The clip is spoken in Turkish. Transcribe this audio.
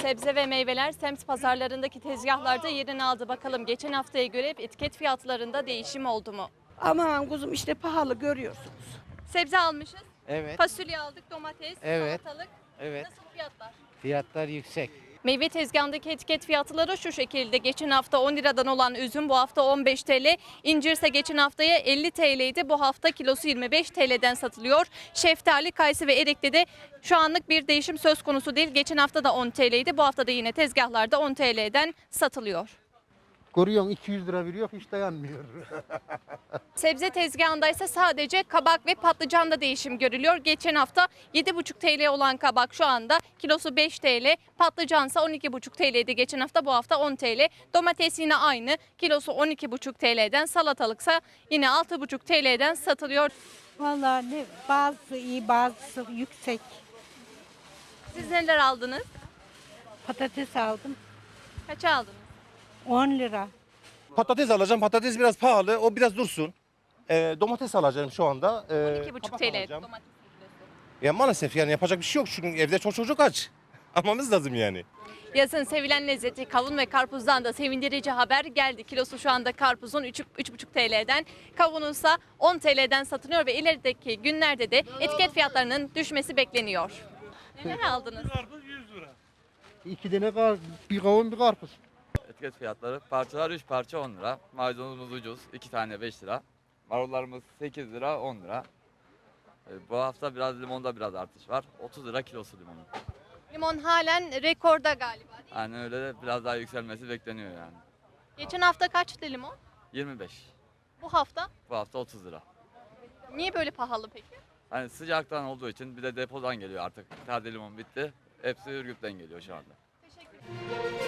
Sebze ve meyveler semt pazarlarındaki tezgahlarda yerini aldı. Bakalım geçen haftaya göre etiket fiyatlarında değişim oldu mu? Aman kuzum işte pahalı görüyorsunuz. Sebze almışız. Evet, Fasulye aldık, domates, Evet. salatalık. evet. Nasıl fiyatlar? Fiyatlar yüksek. Meyve tezgahındaki etiket fiyatları şu şekilde. Geçen hafta 10 liradan olan üzüm bu hafta 15 TL. İncir ise geçen haftaya 50 TL'ydi. Bu hafta kilosu 25 TL'den satılıyor. Şeftali, kayısı ve erikte de şu anlık bir değişim söz konusu değil. Geçen hafta da 10 TL'ydi. Bu hafta da yine tezgahlarda 10 TL'den satılıyor. Görüyorsun 200 lira veriyor hiç dayanmıyor. Sebze tezgahında ise sadece kabak ve patlıcanda değişim görülüyor. Geçen hafta 7,5 TL olan kabak şu anda kilosu 5 TL, patlıcansa 12,5 TL'ydi geçen hafta, bu hafta 10 TL. Domates yine aynı, kilosu 12,5 TL'den, salatalıksa yine 6,5 TL'den satılıyor. Vallahi ne bazısı iyi bazısı yüksek. Siz neler aldınız? Patates aldım Kaça aldınız? 10 lira. Patates alacağım. Patates biraz pahalı. O biraz dursun. Domates alacağım şu anda. 12,5 kabak TL alacağım. domates. Ya maalesef yani yapacak bir şey yok. Çünkü evde çok çocuk aç. Almamız lazım yani. Yazın sevilen lezzeti kavun ve karpuzdan da sevindirici haber geldi. Kilosu şu anda karpuzun 3,5 TL'den, kavununsa 10 TL'den satılıyor ve ilerideki günlerde de etiket fiyatlarının düşmesi bekleniyor. Neler aldınız? 2 tane bir kavun bir karpuz. Etiket fiyatları parçalar 3 parça 10 lira. Maydanozumuz ucuz 2 tane 5 lira. Marullarımız 8 lira 10 lira. Bu hafta biraz limonda biraz artış var. 30 lira kilosu limonun. Limon halen rekorda galiba değil mi? Yani öyle de biraz daha yükselmesi bekleniyor yani. Geçen hafta kaçtı limon? 25. Bu hafta Bu hafta 30 lira. niye böyle pahalı peki? Hani sıcaktan olduğu için bir de depodan geliyor artık. Taze limon bitti. Hepsi Ürgüp'ten geliyor şu anda. Teşekkür ederim.